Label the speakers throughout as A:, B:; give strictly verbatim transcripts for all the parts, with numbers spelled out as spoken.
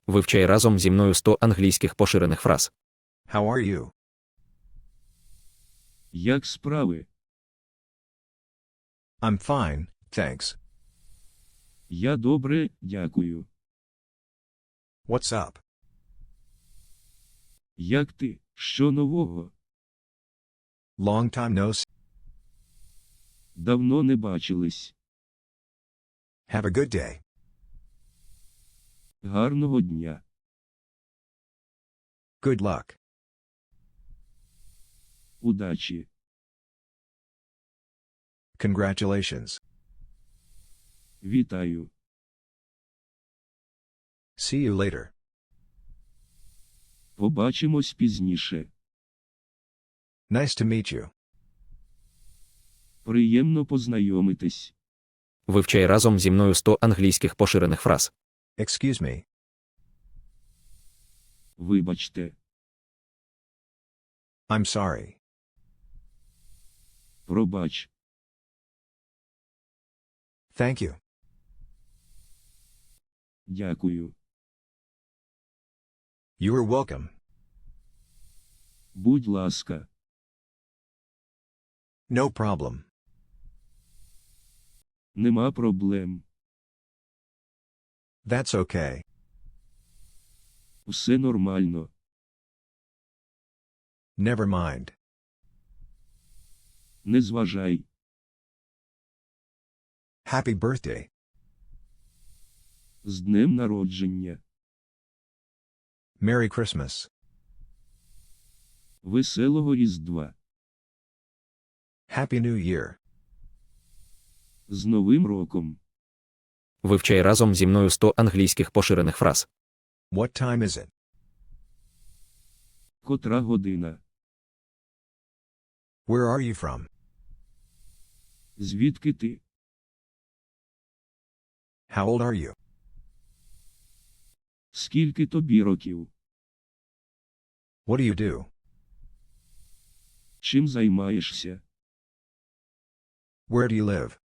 A: Вивчай разом зі мною сто англійських поширених фраз.
B: How are you?
C: Як справи?
B: I'm fine, thanks.
C: Я добре, дякую.
B: What's up?
C: Як ти? Що нового?
B: Long time no see.
C: Давно не бачились.
B: Have a good day.
C: Гарного дня.
B: Good luck.
C: Удачі.
B: Congratulations.
C: Вітаю.
B: See you later.
C: Побачимось пізніше.
B: Nice to meet you.
C: Приємно познайомитись.
A: Вивчай разом зі мною сто англійських поширених фраз.
B: Excuse me.
C: Вибачте.
B: I'm sorry.
C: Пробач.
B: Thank you.
C: Дякую.
B: You are welcome.
C: Будь ласка.
B: No problem.
C: Нема проблем.
B: That's okay.
C: Все нормально.
B: Never mind.
C: Не зважай.
B: Happy birthday.
C: З днем народження.
B: Merry Christmas.
C: Веселого Різдва.
B: Happy New Year.
C: З Новим роком.
A: Вивчай разом зі мною сто англійських поширених фраз.
B: What time is it?
C: Котра година?
B: Where are you from?
C: Звідки ти?
B: How old are you?
C: Скільки тобі років?
B: What do you do?
C: Чим займаєшся?
B: Where do you live?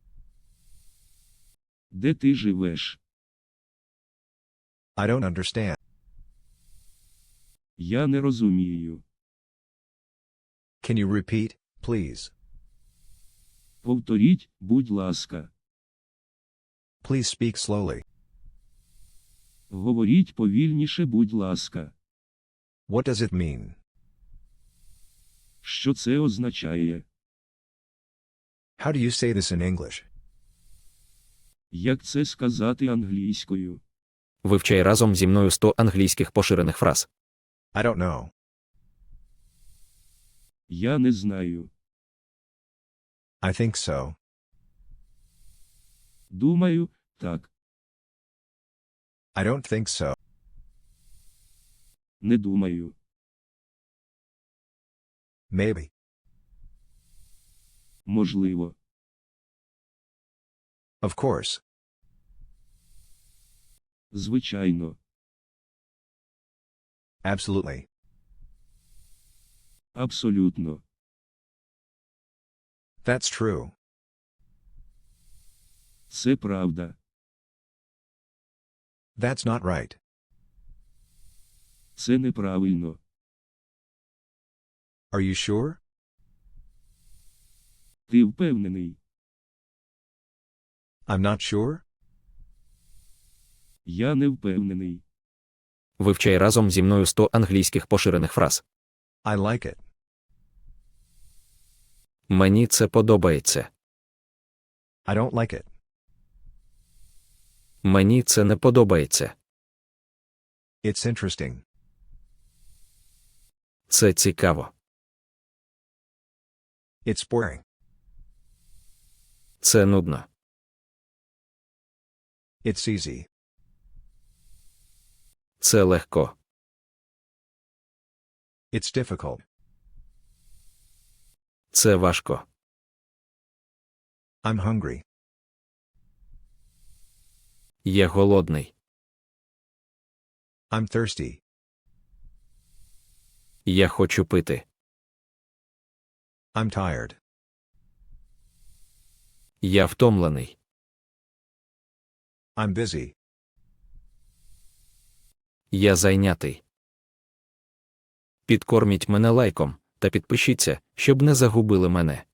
C: Де ти живеш?
B: I don't understand.
C: Я не розумію.
B: Can you repeat, please?
C: Повторіть, будь ласка.
B: Please speak slowly.
C: Говоріть повільніше, будь ласка.
B: What does it mean?
C: Що це означає?
B: How do you say this in English?
C: Як це сказати англійською?
A: Вивчай разом зі мною сто англійських поширених фраз.
B: I don't know.
C: Я не знаю.
B: I think so.
C: Думаю, так.
B: I don't think so.
C: Не думаю.
B: Maybe.
C: Можливо.
B: Of course.
C: Звичайно.
B: Absolutely.
C: Абсолютно.
B: That's true.
C: Це правда.
B: That's not right.
C: Це неправильно.
B: Are you sure?
C: Ти впевнений?
B: I'm not sure.
C: Я не впевнений.
A: Вивчай разом зі мною сто англійських поширених фраз.
B: I like it.
A: Мені це подобається.
B: I don't like it.
A: Мені це не подобається.
B: It's interesting.
A: Це цікаво.
B: It's boring.
A: Це нудно.
B: It's easy.
A: Це легко.
B: It's difficult.
A: Це важко.
B: I'm hungry.
A: Я голодний.
B: I'm thirsty.
A: Я хочу пити.
B: I'm tired.
A: Я втомлений.
B: I'm busy.
A: Я зайнятий. Підкорміть мене лайком та підпишіться, щоб не загубили мене.